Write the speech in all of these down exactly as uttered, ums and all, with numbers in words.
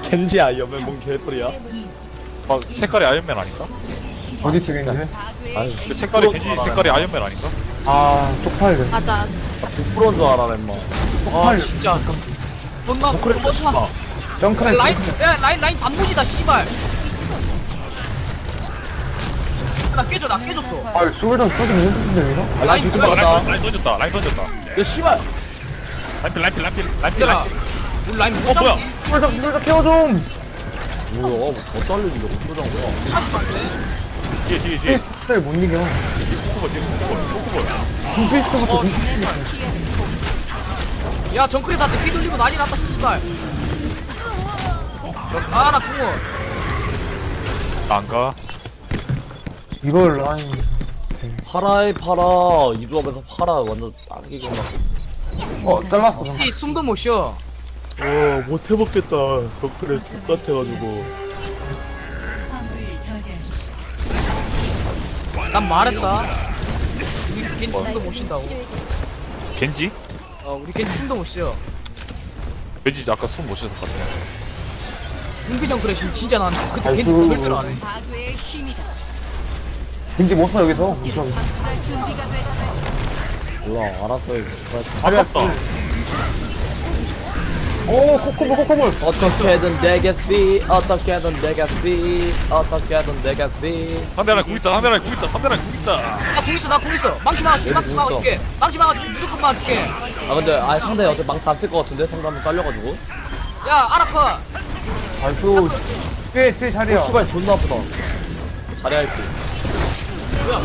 겐지 아이언맨 뭔 개소리야? 막 색깔이 아이언맨 아닌가? 어디 쓰겠는데? 아유 근데 색깔이 겐지 색깔이 아이언맨 아닌가? 아 쪽팔려. 맞아. 백 퍼센트인 줄 알아 멤마. 아 진짜 존나 그래 존나 정크랜 라인 야 라인 라인 단무지다 씨발 나 깨져 나 깨졌어 아 솔전 쏘긴 힘든데 이거? 아 라인 두개 어, 받았다. 라인, 라인 던졌다 라인 던졌다 야 씨발. 라인필 라인필 라인필 라인필 얘들아 라인필 우리 라인 어 못 뭐야 잡니? 솔전 솔전 케어 좀! 뭐야 뭐더 잘리는데 못 들어간 거야. 다시 갈래? 뒤에 뒤에 뒤에 피스트를 못 이겨. 코코볼 뒤에 코코볼 코코볼 둠피스트부터 어, 야 정크레한테 피 돌리고 난리 났다 씨발 아나 궁어 안가 이걸 라인 파라에 파라 이 조합에서 파라 완전 딱이구나. 어 잘랐어 방금. 이 숨도 못 쉬어 어 못해먹겠다. 덕분에 죽같아가지고. 난 말했다 우리 겐지 숨도 못 쉰다고 겐지? 어 우리 겐지 숨도 못 쉬어 왠지 아까 숨 못 쉬었을 것 같아 궁비 정크레 지금 진짜 난 그때 겐지 아이고. 절대로 안해 왠지 못 써 여기서. 무서워. 몰라 알았어요. 아깝다 오 코코볼 코코볼. 어떻게든 되겠지. 어떻게든 되겠지. 어떻게든 되겠지. 상대 하나 궁 있다 상대 하나 궁 있다 상대 하나 궁 있다 나궁 있어 나 궁 있어 망치 막아줄게 망치 있어. 막아줄게 망치 막아줄게 무조건 막아줄게 아 근데 아 상대 어제 망치 안 쓸 것 같은데 상대 한번 딸려가지고. 야 아라커 아이고 뒤에 뒤에 자리야. 어 씨발 존나 아프다. 잘해야 할지. 뭐야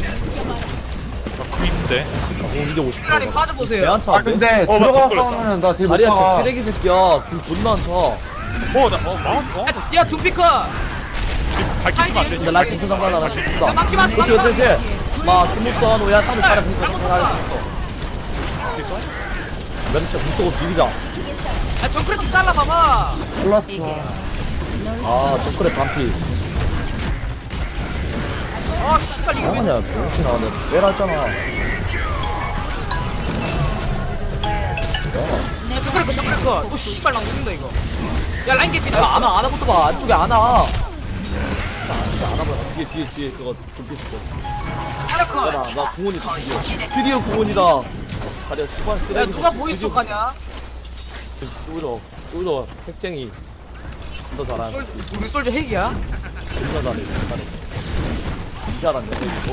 나궁 있는데 나공 이기고 싶어. 라인 빠져보세요 왜안 아 차는데? 근데 어, 들어가 맞다, 싸우면은 나 뒤에 못 자리야 그 가. 쓰레기 새끼야. 공 존나 안 차. 어나어 막았어 야 둠피커 밝히 쓰면 안 되지 근데 라이트 순간 하나 야 죽는다. 막지 마세요 그렇지 막지 그렇지 마세요 그렇지. 막 스무선 오야 상대 잘해 공격 잘못 잘해. 쳤다 멘트 무쏘고 비비자. 야 정크레 좀 잘라봐봐 몰랐어. 아 정크레 반피. 아 씨발 이거 왜 뭐하냐 병신 나왔네. 왜라잖아. 야 정크레 거 정크레 거또 씨발 나 죽는다 이거 야 라인 개피 야 안와 안와부터 봐. 안쪽에 안와. 안와봐. 뒤에 뒤에 뒤에 그거 좀 비슷해. 아라커 야나 나 공원이다 드디어. 드디어 공원이다. 가려 수반 야 쓰레기. 누가 보이스톡 하냐 쏘죠 쏘죠 핵쟁이. 존나 잘하네. 솔 우리 솔저 핵이야 존나 잘해. 존나 잘해. 진짜 잘하네 이거.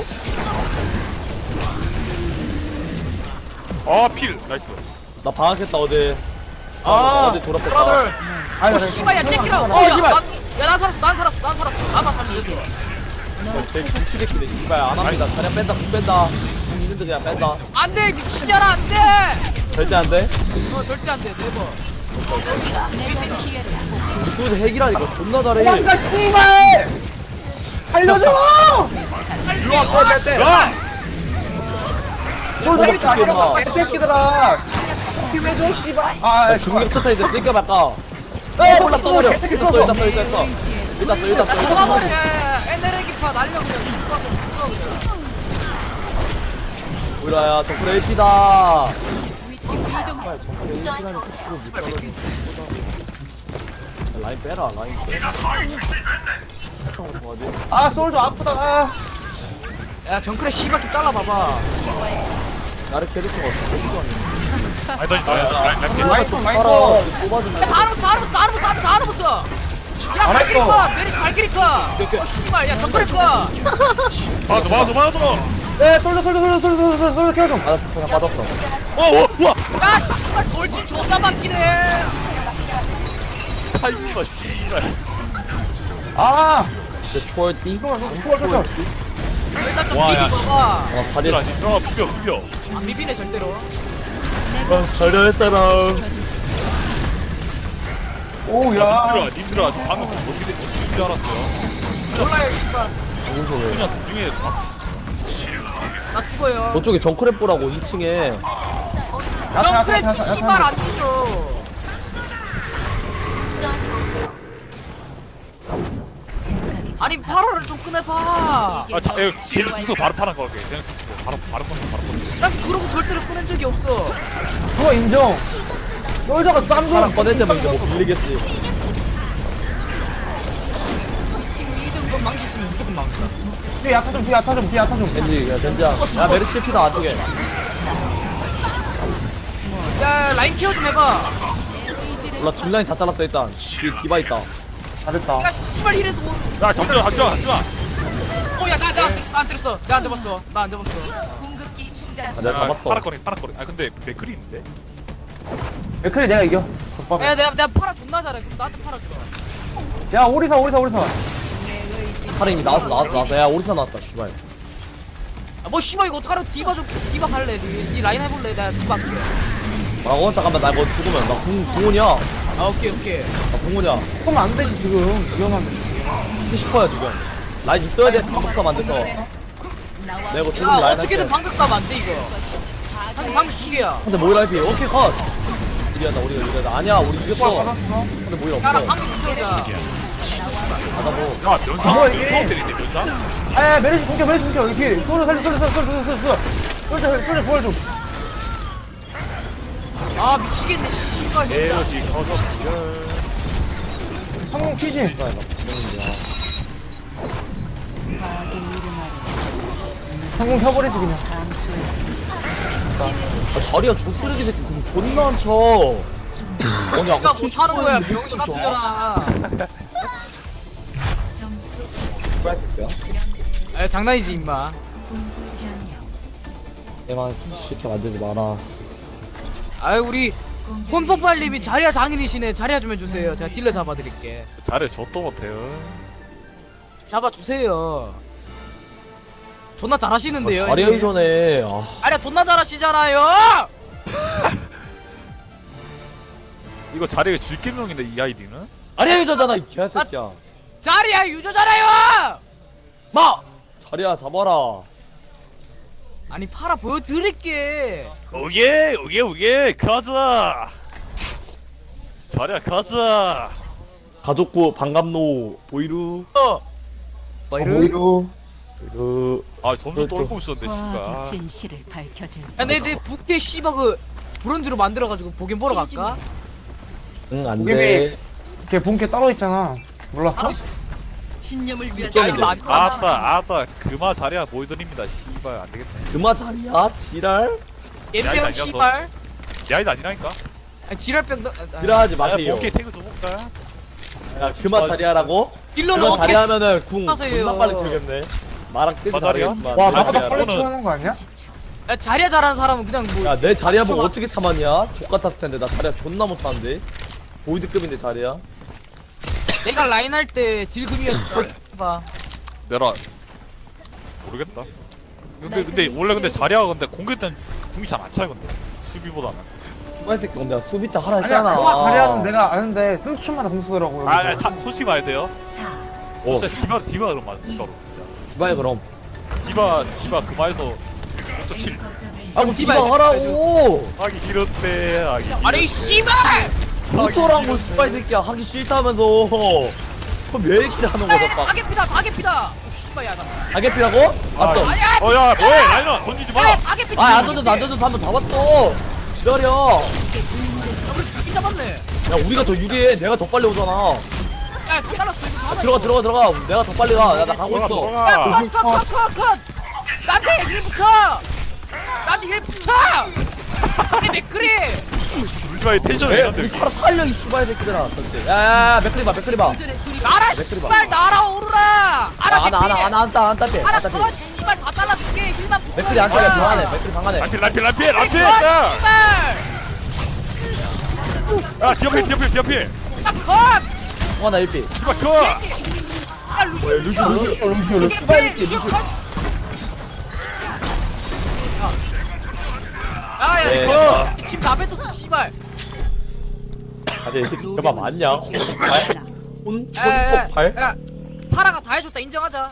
아필 나이스 나 방학했다 어제. 아 어제 졸업했다. 브라들 아니 어 나 씨발 야 째끼라 어, 씨발. 야나 살았어 난 살았어 난 살았어 나만 살면 되지 제 김치새끼네 씨발 안 합니다. 그냥 뺀다 국 뺀다. 국 있는데 그냥 뺀다. 안돼 미친년아 안돼 절대 안 돼. 어 절대 안돼 네버 또 핵이라니까 존나 잘해. 도망가 씨발! 살려줘! 일로 와 빼, 빼, 빼. 야! 솔직히 어떻게 자리야 봐. 이 새끼들아! 힘해줘 씨발! 아 야, 중력 터타 이제 쓸까 말까. 야, 몰라 써버려. 어떻게 일단 써 써서. 일단 써 일단 써. 일단 써 일단 써 나 일단 죽어버려 써. 에너지 기파 날려 그냥 죽어 죽어 그냥 우리야 정글 엘피다. 정말 정글 엘피라는 프로 못하거든. 라인 빼라 라인 빼. 뭐지? 아 솔저 아프다 아. 야 정크레 씨발 좀 잘라봐봐 나를 캐릭터가 어떻게 아니 던졌다 라인 라인 라인 라이트 살아. 라이트 뽑아주면. 야 다르 다르 다르 다르 다르 붙어 야 발키리 거 메리스 발키리 거어 씨발 야 정크레 거 맞아 맞아 맞아 에 솔저 솔저 솔저 솔저 솔저 솔저 케어 좀. 알았어 그냥 빠졌어. 어어 우와 야 씨발 돌진 존나 막히네 아이고 씨발 아! 이제 초월띠. 이거 추워 추워 추워. 일단 좀 와, 야. 비비봐봐 어 다리. 얘들아 들어가 비벼 비벼 안 비비네 절대로 잘할 사람. 오야. 님들아 님들아 저 방금 어떻게 된- 어떻게 된줄 알았어요 몰라요 씨발 그냥 도중에 막 나 죽어요 저쪽에 정크랩 보라고 이 층에. 정크레 씨발 안 뒤져 아니 팔월을 좀 꺼내봐 아, 자, 이거 걔는 구석 바로 파는 거 같아. 걔는 구석 바로 바로 꺼내 바로 꺼내. 난 그러고 절대로 꺼낸 적이 없어 그거 인정. 솔저가 쌈 사람 좀. 꺼낼 때면 이제 뭐 빌리겠지. 막는다. 뒤에 야타 좀 뒤에 야타 좀 뒤에 야타 좀 겐지 야 겐지야 야 메르시 피다 안쪽에 야 라인 케어 좀 해봐. 몰라 뒷라인 다 잘랐어 일단 뒤에 디바 있다 잘했다 야 씨발 이래서 뭐. 야 잠시만 잠시만 잠시만. 어야나나나안 때렸어. 나 안 잡았어. 나 안 잡았어. 아, 내가 잡았어 파라거리 파라거리. 아 근데 맥클이 있는데. 맥클이 내가 이겨 덮밥. 야 내가 내가 팔아 존나 잘해. 그럼 나한테 팔아주라. 야 오리사 오리사 오리사 카린이 나왔어 나왔어 나왔어 야 오리사 나왔다 슈발 아, 뭐 씨발 이거 어떡하라. 디바 좀 디바 갈래. 니, 니 라인 해볼래. 내가 디바 할게. 뭐라고? 잠깐만 나 이거 죽으면 나 공, 공원이야 아 오케이 오케이. 나 공원이야 그러면 안 되지 지금 위험한데 하고 싶어요 지금 라인 있어야 돼 방법사 만들어서 내가 이거 지금 야 라인 어떻게든 할게 방벽 싸면 안 돼 이거. 사실 방벽 두 개야. 근데 모이라 해피 오케이 컷 이리한다 우리가 이리한다 아니야 우리 이겼어 받았어 근데 모이라 야나 없어 방벽 붙여자. 가다 뭐 야 면상 뭐야, 이게? 면상 때리는데 면상. 아 메르시 공격 메르시 공격 여기 뒤에 소리 살려 소리 살려 소리 살려 소리 살려 소리 소리 보여줘 아 미치겠네 씨발. 진짜. 에너지 커서 성공 키지 성공 켜버리지 그냥 아, 자리야 족쓰레기 새끼 공 존나 안 쳐. 아니 내가 아까 못 하는 거야 병신 같은 거라. 프라이스야? 아 장난이지 임마. 얘만 쉽게 만들지 마라. 아유 우리 폰뽀빨님이 자리야 장인이시네. 자리야 좀 해주세요. 제가 딜러 잡아드릴게. 잘해 저도 못해요. 잡아주세요. 존나 잘하시는데요. 자리 하기 전에 아, 자리야 존나 잘하시잖아요. 이거 자리가 질겜명인데 이 아이디는? 자리 하기 전잖아 이 개새끼야. 자리야 유저잖아요. 마 자리야 잡아라. 아니 팔아 보여드릴게. 오예 오예 오예 가자. 자리야 가자. 가족구 반갑노 보이루 어. 마이르. 오히려 보이루. 아 점수 또, 떨고 있었는데 과학의 씨발. 진실을 밝혀줄 야, 내, 내 부캐 씨발 그 브론즈로 만들어가지고 보긴 보러 갈까? 응 고개비. 안돼. 걔 본캐 따로 있잖아 몰랐어? 신념을 위한 야, 이거 안 좋아. 아따 아따 그마 자리야 보이드립니다. 씨발 안 되겠네. 그마 자리야 지랄. 야, 이거 엠병 아니었어. 씨발. 이 아이디 아니라니까. 아니, 지랄병 너. 아, 지랄하지 야 마세요. 오케이 태그 좀 볼까? 야 그마 자리야라고? 딜러는 그마 어떻게? 자리하면은 궁 하세요? 존나 빨리 들겠네. 마랑 뜨지 마 자리야? 말겠지만. 와 아, 나보다 야, 빨리 너는- 치우는 거 아니야? 야, 자리야 잘하는 사람은 그냥 뭐. 야 내 자리야 보고 어떻게 참았냐? 족같았을 텐데 나 자리야 존나 못하는데. 보이드급인데 자리야. 내가 라인 할 때 딜금이었어. 봐. 내라 모르겠다. 근데 근데 원래 근데 자리야 근데 공격 때는 궁이 잘 안 차요 근데 수비보다는. 이 새끼 근데 수비타 하라 아니야 했잖아. 그거 자리하는 내가 아는데 삼십 초마다 공 쓰더라고 아, 아 사, 솔직히 말해야 돼요. 오 진짜 디바 디바 그럼 맞아 디바로 진짜. 디바야 그럼. 디바 디바 그마에서 오 점 칠 아뭐 디바 디바야, 하라고. 하기 싫은데 하기 싫은데. 아니 씨발. 어쩌라고 씨발 새끼야 하기 싫다면서. 그럼 왜 이렇게 하는 거야 막. 가게피다 가게피다. 씨발 야 나. 가게피라고? 왔어. 아니야. 어야 뭐해 라이너 던지지 마. 야 가게피. 아안 던져도 안 던져도 한번 잡았어. 기다려. 우리 두개 잡았네. 야 우리가 더 유리해. 내가 더 빨리 오잖아. 야 잘랐어 이거 하나. 들어가 들어가 들어가. 내가 더 빨리 가. 야 나 가고 있어. 들어가. 컷컷컷컷컷. 나한테 힐 붙여. 나한테 힐 붙여. 이게 맥크리. 울지 마 텐션 왜? 이런데. 우리 바로 살려 이 슈발 새끼들아. 야야 맥크리 봐 맥크리 봐. 나라 맥크리 봐. 씨발 날아오르라. 알아 안아 안아 안아 안다 안다 빼. 알아 안다 더 빼. 씨발 다 잘라줄게. 힐만 붙여. 맥크리 안 따려 방안해. 맥크리 방안해. 람필 람필 람필 람필 컷, 자. 씨발. 야 디어필 디어필 디어필. 야 컷. 어나 일피. 디바 컷. 야 루시 루시 루시오 루시오 루시오 슈발 새끼 루시. 야야 네. 이거 지금 다 뱉었어 씨발. 아니 이 새끼 대박 맞냐? 발? 혼? 야야야 혼법 발? 야 파라가 다 해줬다 인정하자.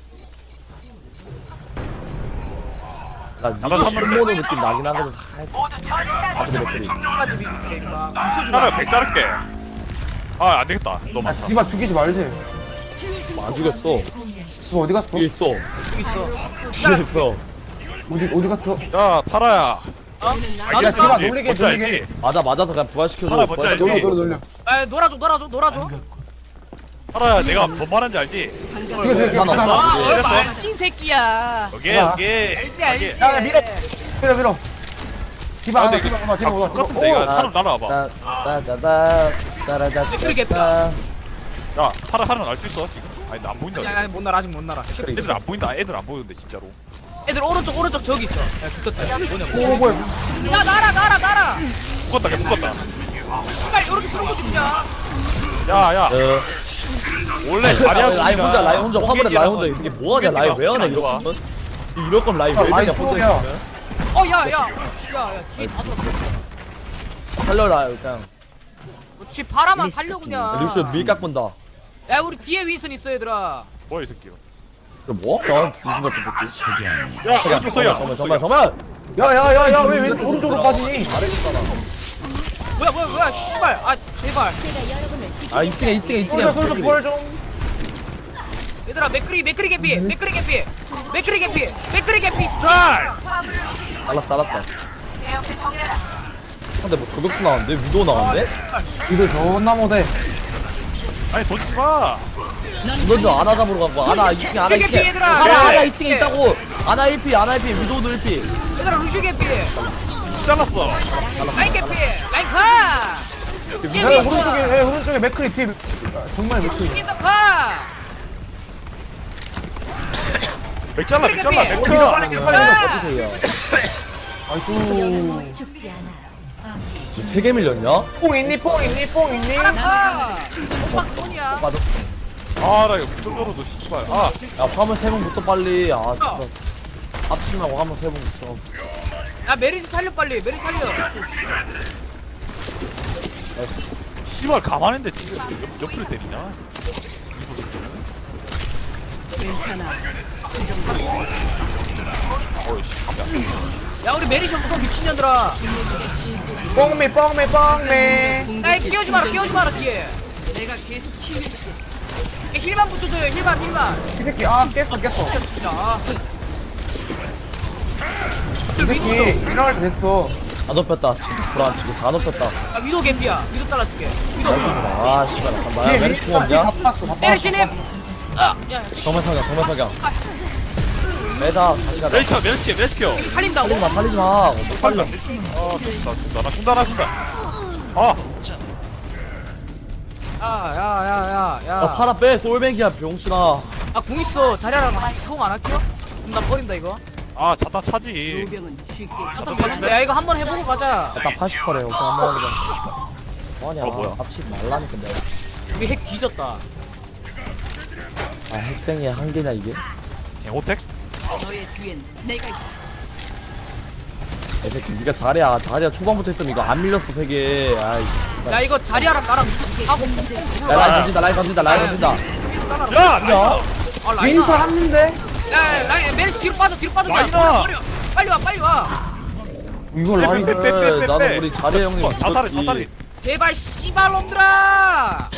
나 나도 이거 선물을 손모노 느낌 나긴 하거든 살짝. 아 근데 맥크리. 까지 비비게 임마. 뭉쳐주마. 하나 백 자를게. 아 안 되겠다. 너무 많다. 디바 죽이지 말지 안 죽였어. 너 어디 갔어? 뒤에 있어. 여기 있어. 뒤에 있어. 어디 어디 갔어? 자 파라야. 나도 야, 디바 있어. 놀리게, 뭔지 놀리게. 알지? 맞아 맞아서 그냥 부활시켜줘. 하나 먼저 부활시켜. 알지? 놀려 놀려 놀려 야 놀아줘 놀아줘 놀아줘. 파라야 내가 뭔 말하는지 알지? 이거 이거 난 없어. 아 이랬어? 얼마 알지 이 새끼야. 오케이 야. 오케이. 알지 알지. 야 밀어 밀어 밀어 디바 아 하나 근데 디바 이거 하나 디바 작 하나 같은데 이거 오! 사람 날아와봐. 따따따 따라다 그러겠다. 야 타라 타는 알 수 있어 지금? 아니 나 안 보인다. 야야 못 날아 아직 못 날아. 애들 안 보인다. 애들 안 보이는데 진짜로. 애들 오른쪽 오른쪽 저기 있어. 야 죽었다. 뭐냐 오 뭐냐. 뭐야 야 날아 날아 날아. 묶었다 걔 묶었다. 빨리 이렇게 쓰는 거 죽냐? 야야 어. 원래 자리야 라인 혼자 라인 혼자 화분에 라인 혼자 이게 뭐하냐 라인 왜 하냐 이럴 거면 이럴 거면 라인 왜 라인 되냐 혼자 프로야. 있으면 어야야 야야 뒤에 다 들어. 살려라 그냥 그렇지 바라만 살려 그냥. 루시오 밀각 본다 야 우리 뒤에 윈슨 있어 얘들아. 뭐야 이 새끼. 이거 뭐? 나 무슨 같은 새끼 야 왼쪽 서야. 잠깐만 잠깐만 잠깐만 야야야야 왜 왜 오른쪽으로 빠지니 뭐야 뭐야 뭐야 씨발 아 제발. 아 이 층에 이 층에 이 솔져 솔져 층에 부활 좀 얘들아 맥크리 맥크리 개피 맥크리 개피 맥크리 개피 맥크리 개피. 짤. 알았어 알았어 근데 뭐 저격수 나왔는데? 위도 나왔는데? 이거 존나 못해 아니 던지지 마. 너도 아나 잡으러 간거 아나 이 층에 아나 이 세계 층에 피해들아. 아나 네. 아나 이 층에 있다고 아나 일 피 아나 일 피 위도도 일 피 얘들아 루슈 개피 잘랐어. 라인 개피 라인 카. 뒤에 야 윈슨 오른쪽에 예 오른쪽에 맥크리 뒤에 정말 맥크리 윈슨 카. 맥 잘라 맥 잘라 맥 어, 잘라. 빨리 빨리 빨리 어디세요? 아이고 죽지 않아요. 세 개 밀렸냐? 뽕 있니 뽕 있니 뽕 있니 하나 카. 엄마 손이야. 맞아 아나 이거 무적으로도 씨발. 아 야 화물 세 번 붙어 빨리 아 진짜 합치지 말고 화물 세 번 붙어 야 메리스 살려 빨리 메리스 살려. 씨발 가만했는데 지금 옆, 옆을 때리냐? 이거 새끼는. 괜찮아. 어이씨. 야 우리 메리시 없어 미친년들아. 뽕미 뽕미 뽕미 야 끼우지 마라 끼우지 마라 뒤에. 내가 계속 치유해. 야, 힐만 붙여줘요 힐만 힐만. 이 새끼 아 깼어 깼어 진짜. 이 새끼 일어날 때 됐어 다 높였다 진짜 불안치고 다 높였다 야 위도 개피야 위도 잘라줄게. 위도. 아 씨발 잠깐만 뒤에 메리시 공 다 없냐? 봤어 다 봤어 메리시님. 아, 야 정말 사격 정말 사격 매다 다시 가자 멜시켜 멜시켜 멜시켜. 살린다고? 살리지마 살리지마 어, 못 살려 아 준다 준다 나 준다 나 준다. 아 야야야야야. 야 팔아 빼 솔뱅이야 병신아 아궁 있어 자리하라 형안 할게요? 그럼 나 버린다 이거. 아 자탄 차지. 요병은 쉽게 아따 살린다. 야 이거 한번 해보고 가자. 딱 팔십 퍼래 오케이 한번 하자 뭐하냐 어, 뭐야? 합치지 말라니까 내가 우리 핵 뒤졌다. 아 핵쟁이의 한계냐 이게? 개호택? 너의 뒤엔 내가 있다. 이 새끼 니가 잘해야 잘해야 초반부터 했으면 이거 안 밀렸어 세개 아이 야 이거 자리하라 나랑 하고 야 라인 던진다 라인 던진다 라인 던진다 위도 잘라라. 야 라이나. 아 윈터 라이나. 했는데 야 라인 메리시 뒤로 빠져 뒤로 빠져. 야 라이나. 버려 버려. 빨리 와 빨리 와. 이걸 라인 빼, 빼, 빼, 빼, 빼. 나도 우리 자리 형님 어, 자살해 믿었지. 자살해. 제발 씨발 놈들아.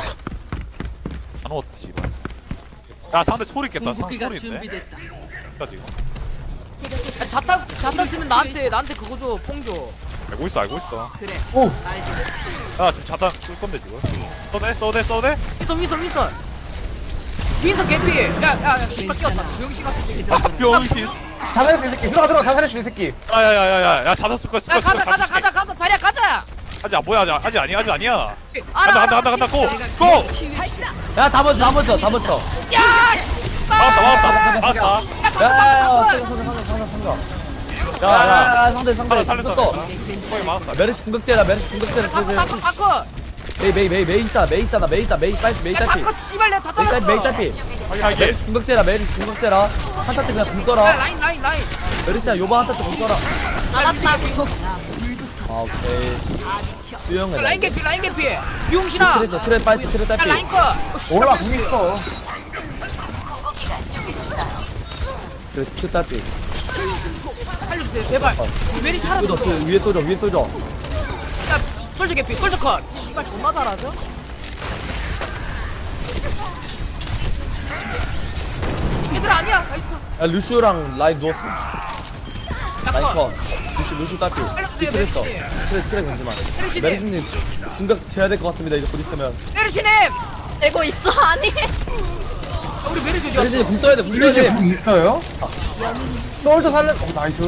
안 왔다 씨발. 야 상대 소리 깼다. 상 궁극기가 소리 있네. 준비됐다. 야 지금. 야, 자탄 자탄 쓰면 나한테 나한테 그거 줘 뽕 줘. 알고 있어 알고 있어. 그래. 오 알겠어. 야 지금 자탄 쓸 건데 지금. 써대 써대 써대. 윈선 윈선 윈선. 윈선 개피. 야야야 씨발 끼웠다. 병신 같은 새끼. 아 병신. 자살했어 이 새끼 들어가 들어가 자살했어 이 새끼 야야야야야 야 자탄 쓸 거야 쓸 야 거야. 가자 가자 가자 가자 자리야 가자. 아직 안 보여 아직 아직 아니야 아직 아니야. 알아 간다 간다 알아. 간다 간다 고 내가 고. 계속 치유해. 야다 먼저 다 먼저 다 먼저 야 씨발. 막았다 막았다 막았다. 야 야야야 가자 상대 가자 상대 상대 상대 야야. 야야야 상대 상대 살려 살렸다. 또 거기 막았다. 메르시 궁극제라 메르시 궁극제라 가자 가자 가자. 메이 메이 메이 메이 있잖아 메이 있잖아 메이 있다 메이 딸피 메이 야 딸피 다커 씨발 내가 다 메이 딸피 메이 잘랐어. 딸피 하게 하게. 메르시 궁극제라 메르시 궁극제라 한타 때 그냥 궁 야 써라 라인 라인 라인. 메르시야 요번 한타 때궁 써라 알았다. 아 오케이 수영해 라인 개피 라인 개피. 비용신아. 트레 트레 빨리 트레 야 딸피 라인 거. 어, 씨발. 올라 공 있어 트레 트레 딸피 살려주세요 제발. 메리시 살았어. 쏘져 쏘져 위에 쏘져 위에 쏘져 야 솔저 개피 솔저 컷. 씨발 존나 잘하죠? 얘들 아니야. 나이스. 야 루슈랑 라인 누웠어 야 라인 컷. 컷 루슈 루슈 딸피 살려주세요, 트레 써 메르시님. 트레 트레 건지마 메리시님. 메르시님 궁극 재야 될 것 같습니다 이제 곧 있으면 메리시님. 되고 있어 아니 야, 우리 메르시 어디 메르시 갔어? 궁 써야 돼, 궁 써야 메르시 돼. 궁 있어요? 솔저 살려. 어, 나이스.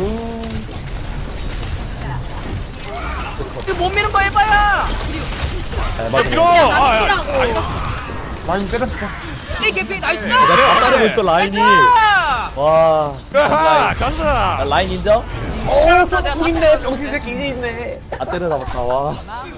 이거 못 미는 거 해봐야. 아, 맞아. 밀어! 아, 야. 라인 때렸어. 이 개피 나이스. 내가 다 따르고 있어, 라인이. 나이스. 와. 아하, 야, 간다! 라인 인정? 어, 또 있네. 병신 새끼 이게 있네. 아, 때려 잡았다, 와.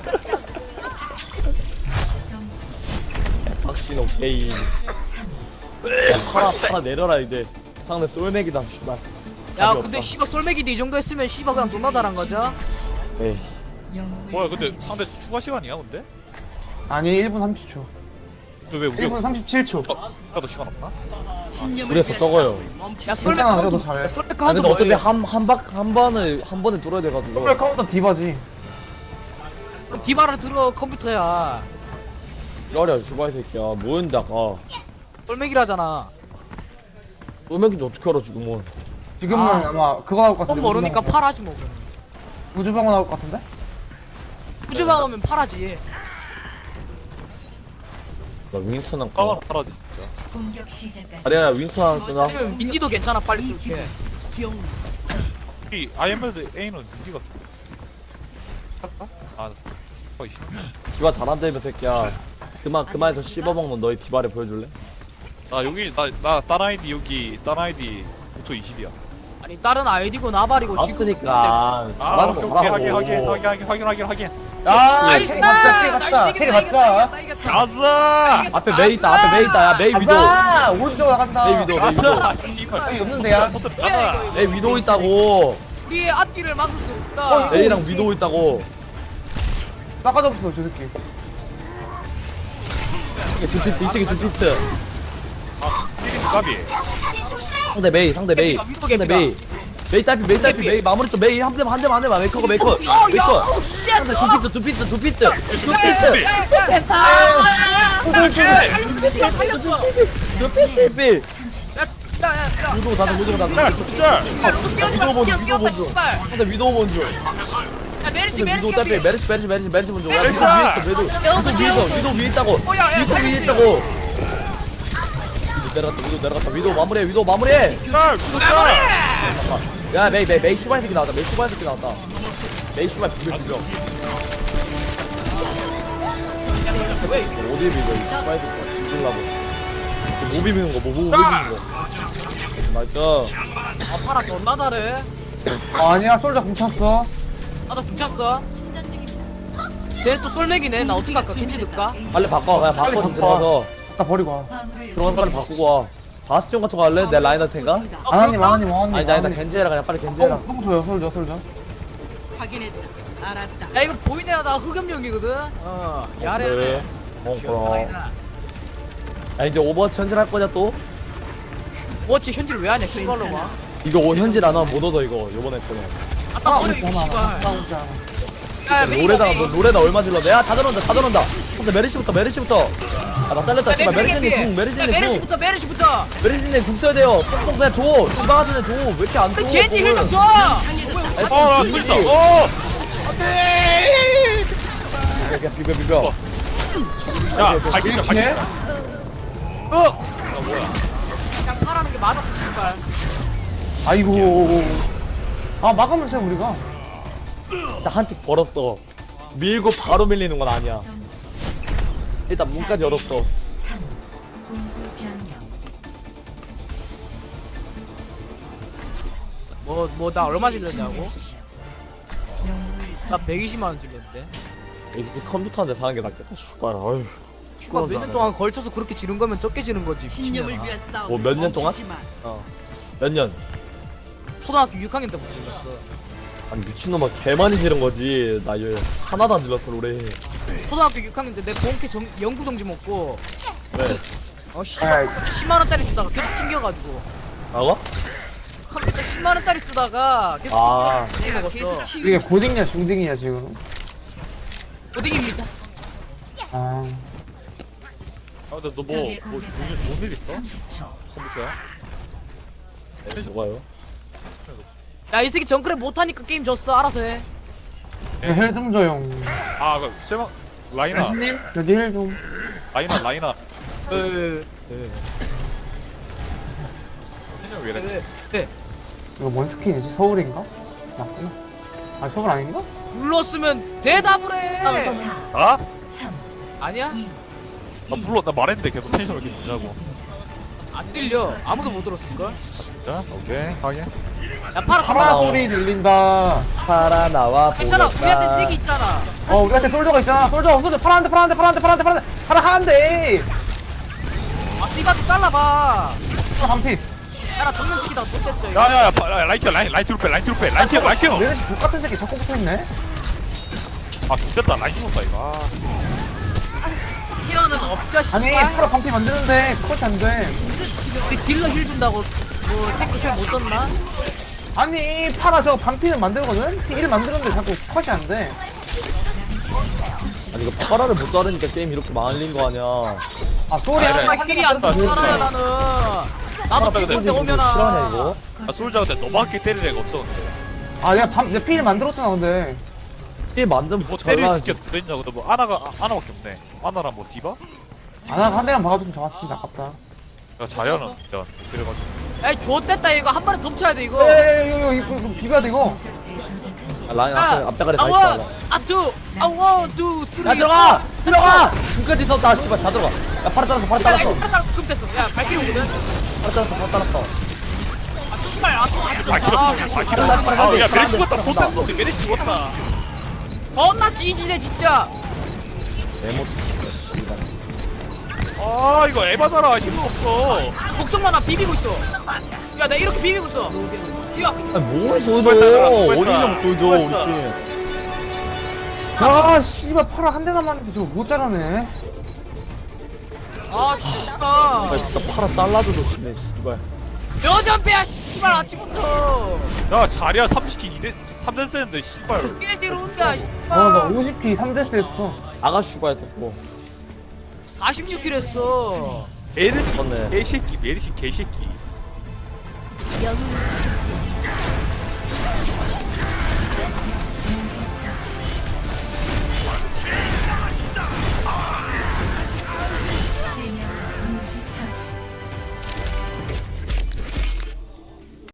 박신 오케이. 팔아, 팔아 내려라, 이제. 상대 쏠맥이다, 씨발. 야 답이 근데 없다. 씨발 솔맥이도 이 정도 했으면 씨발 그냥 존나 잘한 거죠? 에이. 뭐야, 근데 상대 추가 시간이야, 근데? 아니 일 분 삼십 초. 왜 우리 일 분 삼십칠 초. 어? 나도 시간 없나? 우리가 더 적어요. 야 솔맥 괜찮아, 카운터 그래도 잘해. 야, 솔맥 아, 카운터 근데 어차피 뭐예요? 한, 한 박, 한 번을, 한 번에 뚫어야 돼가지고. 더블 카운터 디바지. 그럼 디바를 들어 컴퓨터야. 기다려, 슈바이 새끼야. 뭐였는데, 아까. 솔맥이라잖아. 쏘맥인지 어떻게 알아, 지금은. 지금은 아. 아, 마 그거 나올 것 뻔 같은데. 모르니까 우주방어. 팔아지 뭐 그럼. 우주방어 나올 것 같은데? 우주 막으면 팔아지. 나 윈스턴 한 까만 거. 팔아지, 진짜. 공격 시작까지 아리야, 윈스턴 하나 쓰나? 아니면 민디도 괜찮아 빨리 뚫게. 이 아이엠드 A는 민지가 좀. 할까? 아, 어이, 씨. 디바 잘한다며, 새끼야. 그만, 그만해서 씹어먹는 너의 디바를 보여줄래? 나 여기, 나, 나, 딴 아이디, 여기, 딴 아이디, 부터 이십이야. 아니 다른 아이디고 나발이고 지금. 봤으니까. 아, 잘하는 오케이, 거 오케이, 확인, 하라고. 확인, 확인, 확인, 확인, 확인, 확인. 아, 나이스. 캐리 맞자, 캐리 맞자, 나이스, 캐리 이겼다, 맞자. 이겼다, 이겼다. 아싸! 앞에 메이 있다, 앞에 메이 있다. 야, 메이 위도. 아싸! 오른쪽 나간다. 메이 위도, 메이 위도. 아싸! 씨발. 여기 없는데, 야. 터뜨려, 야, 아싸! 이거, 이거. 메이 위도 있다고. 우리의 앞길을 막을 수 없다. 어, 이거- 메이랑 위도 있다고. 싸가졌어, 저 새끼. 이게 두피스트, 이쪽에 두피스트. 찌린 까비. 상대 메이, 상대 메이. 개피가, 위도 상대 개피가. 메이. 메이 딸피, 메이 딸피, 개피. 메이 마무리 좀 메이 한 대만 한 대만 한 대만 메이커가 메이커. 어, 야, 메이커. 오, 쉣. 상대 두피스트, 두피스트, 두피스트. 두피스트. 살렸어, 살렸어. 두피스트 필. 야, 야, 야. 위도 다들 위도 야, 다들. 진짜! 위도 먼저, 위도 먼저. 씨발. 상대 위도 먼저. 야, 메르시, 근데 메르시 위도 딸피, 개피. 메르시, 메르시, 메르시, 메르시 먼저. 야, 위도 메르시야! 위에 있어, 메르시. 위도 위에 있어, 위도 위에 있다고. 어, 야, 야, 위도 위에 살리지. 있다고. 위도 내려갔다, 위도 내려갔다. 위도 마무리해, 위도 마무리해. 날, 진짜! 야, 메이, 메이, 메이 슈발 새끼 나왔다. 메이 슈발 새끼 나왔다. 메이 슈발 비벼, 비벼. 왜 이게? 어디 비벼, 이 슈발 새끼. 죽으려고. 뭐 비비는 거, 뭐, 뭐 비비는 거. 나이스. 아, 파라 존나 잘해. 아니야, 솔저 훔쳤어. 나도 붙였어. 쟤는 또 솔맥이네. 나 어떻게 할까? 겐지 넣을까? 빨리 바꿔, 그냥 바꿔, 좀 들어가서. 나 버리고 와. 화물을 들어가서 빨리 바꾸고 와. 바스티온 같은 거 할래? 내 라인 할 텐가? 어, 아나님, 그럴까? 아나님, 아나님. 아니, 나 일단 겐지 해라. 그냥 빨리 겐지 해라. 어, 똥 줘요, 솔저, 솔저. 확인했다. 알았다. 야, 이거 보이네. 나 흑염룡이거든. 어, 야래. 그래. 어, 그럼. 시원하다. 야, 이제 오버워치 현질 할 거냐, 또? 뭐지 현질 왜 하냐? 씨발로 봐. 이거 오- 현질 안 하면 못 얻어, 이거. 요번에 거는. 아따 버려 이거 씨발. 싸우지 않아. 야, 메이가 노래다가, 메이. 너 노래다 얼마 질렀네? 야, 다 들어온다, 다 들어온다. 근데 메르시부터, 메르시부터. 아, 나 잘렸다, 야, 씨발. 메이 메르시님 개피. 궁, 야, 메르시님 궁. 메르시부터 메르시부터. 메르시님 궁 써야 돼요. 뽕뽕 그냥 줘. 이방 같은 애 줘. 왜 이렇게 안 줘? 겐지 궁을. 힐좀 줘. 아니, 어, 나 비비지. 뚫렸다. 어! 그냥 비벼, 비벼. 야, 밝히자, 이렇게? 밝히자. 어! 그냥 파라는 게 맞았어 씨발. 아이고. 아, 막으면 돼, 우리가. 나한테 벌었어. 밀고 바로 밀리는 건 아니야. 일단 문까지 열었어. 공수 변경 뭐 뭐 나 얼마 질렀냐고? 영웅을 나 백이십만 원 질렀는데. 이게 컴퓨터한테 사는 게 낫겠다. 슈발. 어휴. 씨발 몇년 동안 걸쳐서 그렇게 지른 거면 적게 지른 거지. 신념을 미친년아. 위한 싸움. 뭐 몇 년 동안? 어. 몇 년? 초등학교 육 학년 때부터 질렀어. 아니 미친놈아 개 많이 지른 거지. 나 이거 하나도 안 질렀어 올해. 초등학교 육 학년 때 내 공캐 정, 영구 정지 먹고 왜? 어 씨발 아이. 십만 원짜리 쓰다가 계속 튕겨가지고 나가? 컴퓨터 십만 원짜리 쓰다가 계속 아. 튕겨 먹었어. 이게 고딩이냐, 중딩이냐, 지금. 어디입니다? 아. 아, 근데 너 뭐, 뭐, 요즘 뭔일 있어? 삼십 초 컴퓨터야? 네, 뭐가요? 야 이 새끼 정크랩 못하니까 게임 졌어. 알아서 해. 헬 좀 줘용. 아, 그, 세방, 라이나, 여기 헬 좀. 라이나, 라이나. 에, 텐션 왜 이래? 왜? 왜? 이거 뭔 스킨이지? 서울인가? 맞구나. 아 서울 아닌가? 불렀으면 대답을 해. 아? 삼, 아니야? 이, 나 물론 나 말했는데 계속 텐션을 이렇게 주냐고. 안 들려. 아무도 못 들었을 걸. 자, 오케이 확인. 야 파라 파라 가라. 소리 들린다. 파라 나와 괜찮아. 보겠다. 우리한테 얘기 있잖아. 어 우리한테 솔저가 있잖아. 솔저 솔저 파란데 파란데 파란데 파란데 파란데 파라 하는데. 아 띠바도 잘라봐. 한피. 야나 정면치기다가 못됐죠 이거. 야야야 라이트 라인 라이트로 빼 라이트로 빼 라이트 라이트. 내 족같은 새끼 자꾸 붙어있네. 아 됐다 라이트 못다 이거. 힐러는 없죠 아니 씨발. 파라 반피 만드는데 그것이 안 돼. 우리 딜러 힐 준다고 뭐 탱크 힐못 줬나? 아니 파라 저 반피는 만들거든? 일 만드는데 자꾸 컷이 안 돼. 아니 이거 파라를 못 자르니까 게임 이렇게 망할린 거 아니야. 아 소리 그래. 하나 정말 힐이 안 들어가나 나는. 나도 그래, 피곤 때 그래. 오면아. 싫어하냐 이거? 아 솔저 근데 너밖에 때릴 애가 없어 근데. 아 내가 반 내가 피를 만들었잖아 근데. 게임 만든 뭐 때릴 잘라. 새끼 들어있냐 근데 뭐 아나가 아, 아나밖에 없네. 아나랑 뭐 디바? 아나가 한 대만 박아줬으면 잡았습니다. 아깝다. 야 자야는 진짜 못 때려가지고. 에이 좋댔다 이거 한 번에 덮쳐야 돼 이거. 에이 이거 이거 이거 비벼야 돼 이거. 목적지에 도착한 아, 라인 아, 앞에 앞자가리 가 아, 있어. 원, 아, 투, 아, 원, 투, 쓰리. 야 들어가 들어가. 끝까지 썼다 씨발 다 들어가. 야 파라 잘랐어 파라 야, 잘랐어. 야, 팔 금 됐어. 야, 발키리 오거든. 파라 잘랐어 파라 잘랐어. 아, 씨발, 아, 또 아주 아 좋다. 아, 기록 아 기록. 기록. 아야 메리 죽었다. 손땀 우리 메리 죽었다. 겁나 뒤지네, 진짜. 메모. 아 이거 에바잖아 힘도 없어. 걱정 마, 나 비비고 있어. 야, 나 이렇게 비비고 있어. 야, 아니 뭘 쏘죠? 수고했다, 수고했다. 어디냐고 쏘죠 우리 수고했어. 팀. 아 씨발 파라 한 대 남았는데 저거 못 자라네. 아, 씨발. 아 진짜 파라 잘라줘도 지네 씨발. 여전 빼야, 씨발, 아침부터. 야 자리야 삼십 킬 이 대 삼 대 쓰는데 씨발. 일대로 온다, 어나 씨발. 오십 피 삼 데스 했어. 아가 슈가야 됐고. 사십육 킬 했어. 메르시 맞네. 개새끼 메르시 개새끼.